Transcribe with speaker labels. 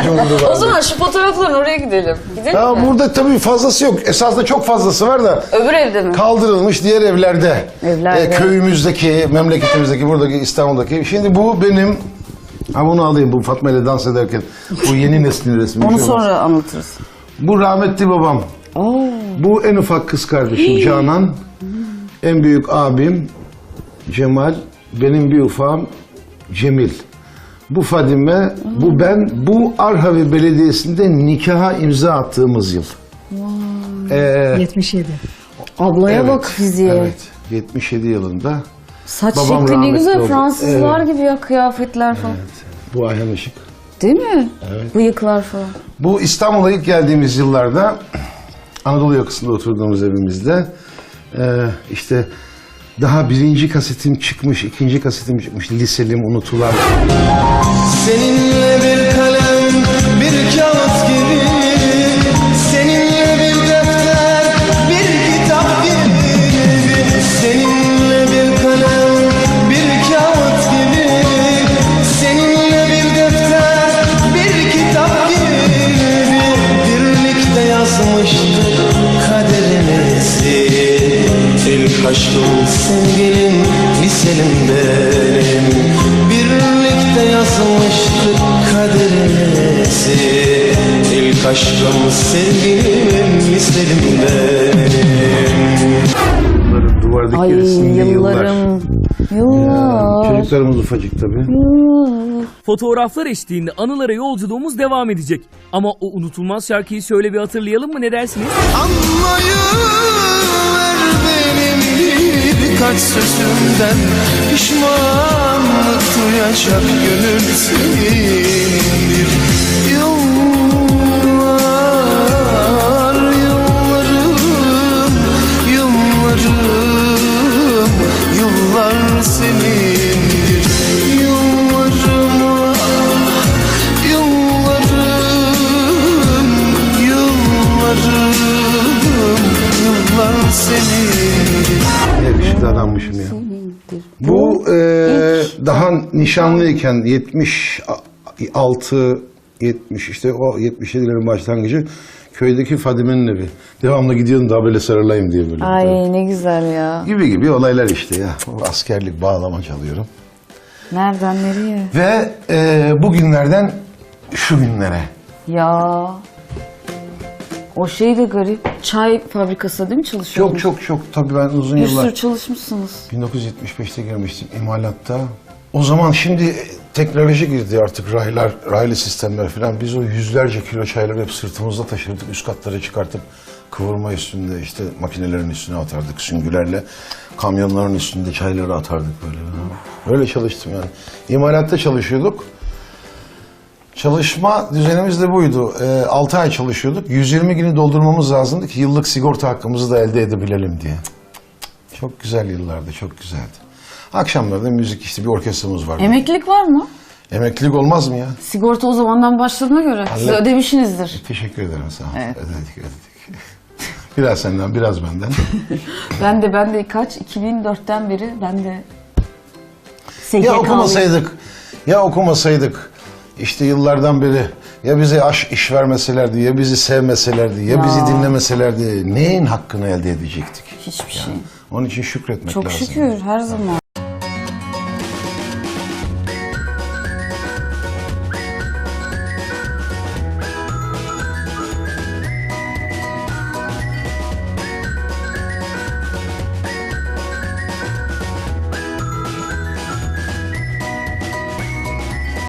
Speaker 1: umurdu vardı.
Speaker 2: O zaman şu fotoğrafların oraya gidelim. Gidelim
Speaker 1: Ya
Speaker 2: mi?
Speaker 1: burada tabii fazlası yok. Esasında çok fazlası var da
Speaker 2: Öbür evde mi?
Speaker 1: kaldırılmış diğer evlerde.
Speaker 2: Evlerde.
Speaker 1: Köyümüzdeki, memleketimizdeki, buradaki İstanbul'daki. Şimdi bu benim, ha bunu alayım, bu Fatma ile dans ederken. Bu yeni neslin resmi.
Speaker 2: Onu
Speaker 1: Bir şey olmaz.
Speaker 2: sonra anlatırız.
Speaker 1: Bu rahmetli babam. Bu en ufak kız kardeşim Canan. En büyük abim Cemal. Benim bir ufağım Cemil. Bu Fadime, bu ben. Bu Arhavi Belediyesi'nde nikaha imza attığımız yıl.
Speaker 3: 77.
Speaker 2: Ablaya
Speaker 1: Evet,
Speaker 2: bak fiziğe.
Speaker 1: Evet, 77 yılında.
Speaker 2: Saç
Speaker 1: Babam
Speaker 2: şekli ne
Speaker 1: rahmetli
Speaker 2: güzel.
Speaker 1: oldu.
Speaker 2: Fransızlar
Speaker 1: Evet.
Speaker 2: gibi ya, kıyafetler falan.
Speaker 1: Bu Ayhan Işık.
Speaker 2: Değil mi?
Speaker 1: Evet.
Speaker 2: Bıyıklar falan.
Speaker 1: Bu İstanbul'a ilk geldiğimiz yıllarda Anadolu yakasında oturduğumuz evimizde işte daha birinci kasetim çıkmış, ikinci kasetim çıkmış, Liselim Unutulan.
Speaker 4: Seninle bir kalem, bir kağıt gibi, seninle bir defter, bir kitap gibi, seninle bir kalem, bir kağıt gibi, seninle bir defter, bir kitap gibi, birlikte yazmıştık kaderimizi. İlk aşkım sevgilim, liselim benim, birlikte yazmıştık kaderimizi. İlk aşkım sevgilim, liselim benim.
Speaker 1: Bunların duvardaki
Speaker 2: Ay
Speaker 1: resimli
Speaker 2: yıllarım. Yıllar.
Speaker 1: Çocuklarımız ufacık tabii.
Speaker 5: Fotoğraflar eşliğinde anılara yolculuğumuz devam edecek. Ama o unutulmaz şarkıyı şöyle bir hatırlayalım mı, ne dersiniz?
Speaker 4: Anlayıver benim birkaç sözümden, pişmanlık duyacak gönül senindir. Yıllar, yıllarım, yıllarım, yıllar senindir. Yıllarım, yıllarım, yıllarım, yıllar senindir.
Speaker 1: Yakışıklı adammışım ya. Bu daha nişanlıyken 76, 70 işte o 77'lerin başlangıcı köydeki Fadime'nin evi. Devamlı gidiyordum daha böyle sarılayım diye böyle.
Speaker 2: Ay ne güzel ya.
Speaker 1: Gibi olaylar işte ya. O askerlik bağlama çalıyorum.
Speaker 2: Nereden nereye?
Speaker 1: Ve bugünlerden şu günlere.
Speaker 2: Ya. O şey de garip. Çay fabrikası değil mi çalışıyordunuz?
Speaker 1: Çok tabii ben uzun
Speaker 2: Bir
Speaker 1: yıllar.
Speaker 2: sürü çalışmışsınız.
Speaker 1: 1975'te girmiştim imalatta. O zaman şimdi teknoloji girdi artık raylı sistemler falan. Biz o yüzlerce kilo çayları hep sırtımızda taşırdık. Üst katlara çıkartıp kıvırma üstünde işte makinelerin üstüne atardık süngülerle. Kamyonların üstünde çayları atardık böyle. Öyle çalıştım yani. İmalatta çalışıyorduk. Çalışma düzenimiz de buydu. 6 ay çalışıyorduk. 120 günü doldurmamız lazımdı ki yıllık sigorta hakkımızı da elde edebilelim diye. Çok güzel yıllardı, çok güzeldi. Akşamları da müzik işte bir orkestramız vardı.
Speaker 2: Emeklilik var mı?
Speaker 1: Emeklilik olmaz mı ya?
Speaker 2: Sigorta o zamandan başladığına göre. Siz ödemişsinizdir.
Speaker 1: Teşekkür ederim sağ ol.
Speaker 2: Evet.
Speaker 1: Ödedik. Biraz senden, biraz benden.
Speaker 2: Ben de kaç? 2004'ten beri ben de
Speaker 1: Ya okumasaydık işte yıllardan beri ya bize iş vermeselerdi, ya bizi sevmeselerdi, ya bizi dinlemeselerdi neyin hakkını elde edecektik?
Speaker 2: Hiçbir şey.
Speaker 1: Onun için şükretmek
Speaker 2: Çok
Speaker 1: lazım.
Speaker 2: şükür her zaman.